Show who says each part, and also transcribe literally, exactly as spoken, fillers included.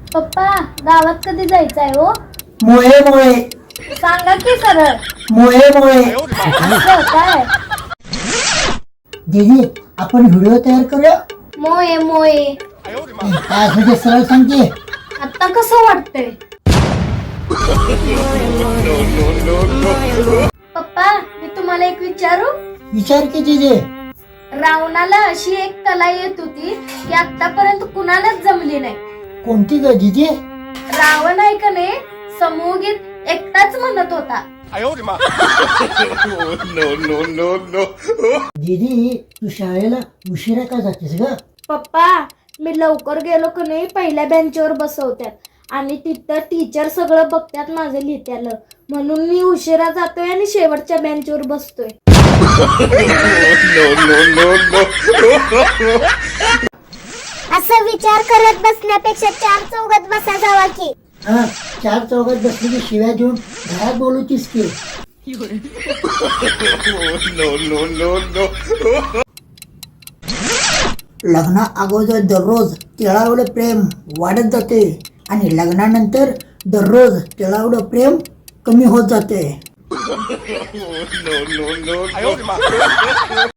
Speaker 1: पप्पा गावात कधी जायचंय हो?
Speaker 2: मोये मोये
Speaker 1: सांगा की सरळ.
Speaker 2: मोये मोये
Speaker 1: असं काय?
Speaker 2: दीदी आपण व्हिडिओ तयार करूया.
Speaker 1: मोये मोये
Speaker 2: काय असं ते सरळ सांगते.
Speaker 1: आता कसं वाटतंय? पप्पा मी तुम्हाला एक विचारू.
Speaker 2: विचार की दीदी.
Speaker 1: रावणाला अशी एक कला येत होती की आतापर्यंत कुणालाच जमली नाही.
Speaker 2: कोणती ग दीदी?
Speaker 1: रावण आहे का नाही समूहगीत एकटाच म्हणत होता.
Speaker 2: दीदी तू शाळेला उशिरा का जातेस ग?
Speaker 1: पप्पा मी लवकर गेलो का नाही पहिल्या बेंचवर बसवतात आणि तिथं टीचर सगळं बघतात माझं लिहित्याला, म्हणून मी उशिरा जातोय आणि शेवटच्या बेंचवर बसतोय.
Speaker 3: असं विचार करत बसण्यापेक्षा चार चौघात बसा जावा की.
Speaker 2: हा चार चौघात बसली की शिव्या देऊन घरात बोलवतीस की. लग्ना अगोदर दररोज तिळावलं प्रेम वाढत जाते आणि लग्नानंतर दररोज तिळावलं प्रेम कमी होत जाते.